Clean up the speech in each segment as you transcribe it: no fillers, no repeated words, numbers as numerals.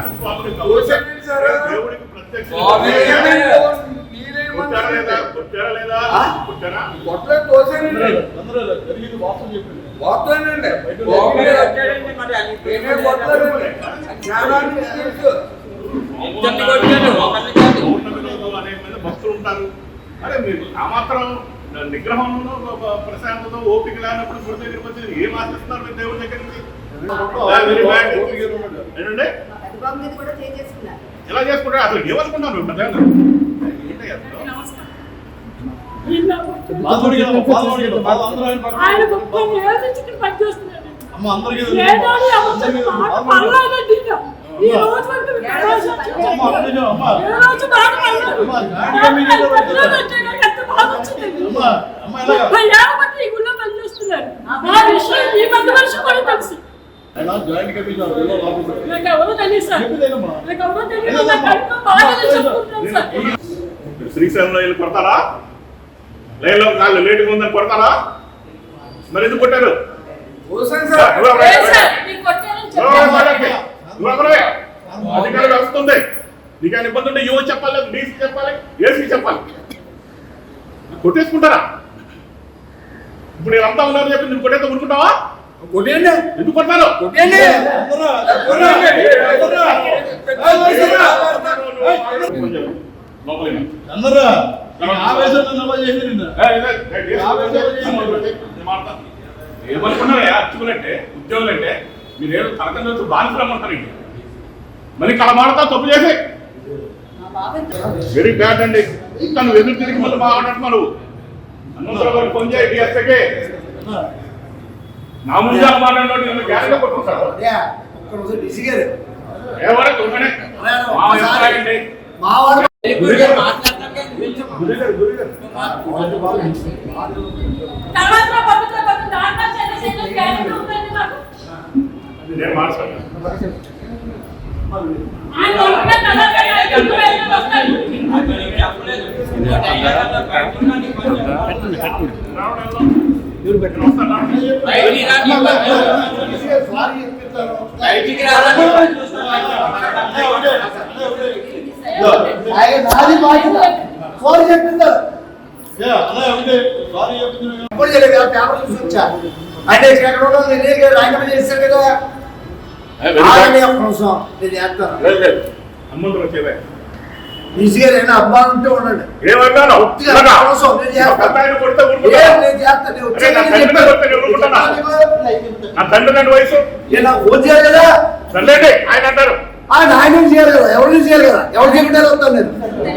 దేవుడికి ప్రత్యక్ష భక్తులు ఉంటారు. అరే మీరు ఆ మాత్రం నిగ్రహంలో ప్రశాంతతో ఓపిక లేనప్పుడు గుడి దగ్గరికి వచ్చి ఏం ఆశిస్తున్నారు మీరు దేవుడి దగ్గర నుంచి? ఎలా చేసుకుంటారు? అసలు ఏమనుకుంటారు? శ్రీశైలంలో వెళ్ళి కొడతారా? లైన్లో కాళ్ళు లేటుగా ఉందని కొడతారా? మరి ఎందుకు కొట్టారు? అధికారులు వస్తుంది. నీకైనా ఇబ్బంది ఉంటే యువ చెప్పాలి, డీసీ చెప్పాలి, ఏసీ చెప్పాలి. కొట్టేసుకుంటారా? ఇప్పుడు వీళ్ళంతా ఉన్నారని చెప్పి నువ్వు కొట్టేస్తే ఊరుకుంటావా? కొట్టేయండి. ఎందుకు కొడతారు? ఏమనుకున్నారా అర్చుకులంటే ఉద్యోగులంటే మీరేదో తరగతి వచ్చి బానిసరమ్మంటారు. ఇంటి మరి ఇక్కడ మాడతా తప్పు చేసి వెరీ బ్యాడ్ అండి. ఇంకా నువ్వు ఎదురు తిరిగి మళ్ళీ మాట్లాడుతున్నావు. నువ్వు అన్నంతరం ఫోన్ చేయి డిఎస్ఏకి. నా ముందు మాట్లాడినట్టు నేను గ్యారెంటీ కొట్టుకుంటాను. ఎవరైతే ఉంటేనే నేను మాట్లాడతాను. అంటే రాజీనామా చేశారు కదా. ఈజీగా నేను అబ్బా ఉంటే ఉండండి. వయసు కదా ఆయన అంటారు. ఆయన చేయాలి కదా, ఎవరు చేయాలి కదా, ఎవరు చేయకుండానే వస్తాను నేను.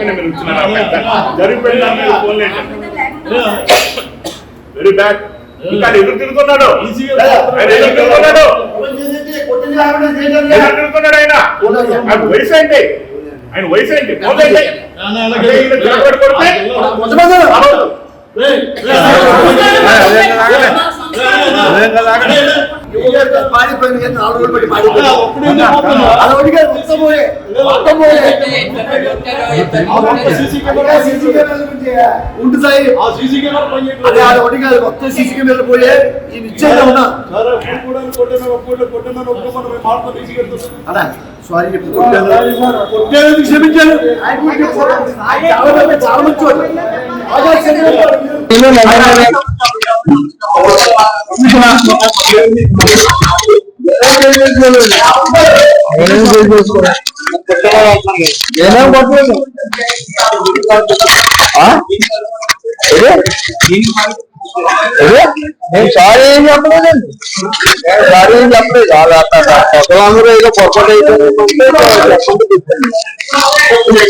Very bad. ఇంకా ఎదురు తిరుగుతున్నాడు. తిరుగుతున్నాడు ఆయన. ఆయన వయసు ఏంటి? ఆయన వయసు ఏంటి? పాడిపోయింది 4 రోజులు బట్టి పాడిపోయింది. ఉంటుంది అదే ఒకటి కాదు, మొత్తం సీసీ కెమెరాలు పోయే ఈ నిశ్చయంగా ఉన్నా. సారీ చెప్పి క్షమించాను. చాలా మంచి నేను సారీ ఏం చెప్పలేదండి. సారీ ఏం చెప్పలేదు. వాళ్ళందరూ ఏదో పొరపాటు అయితే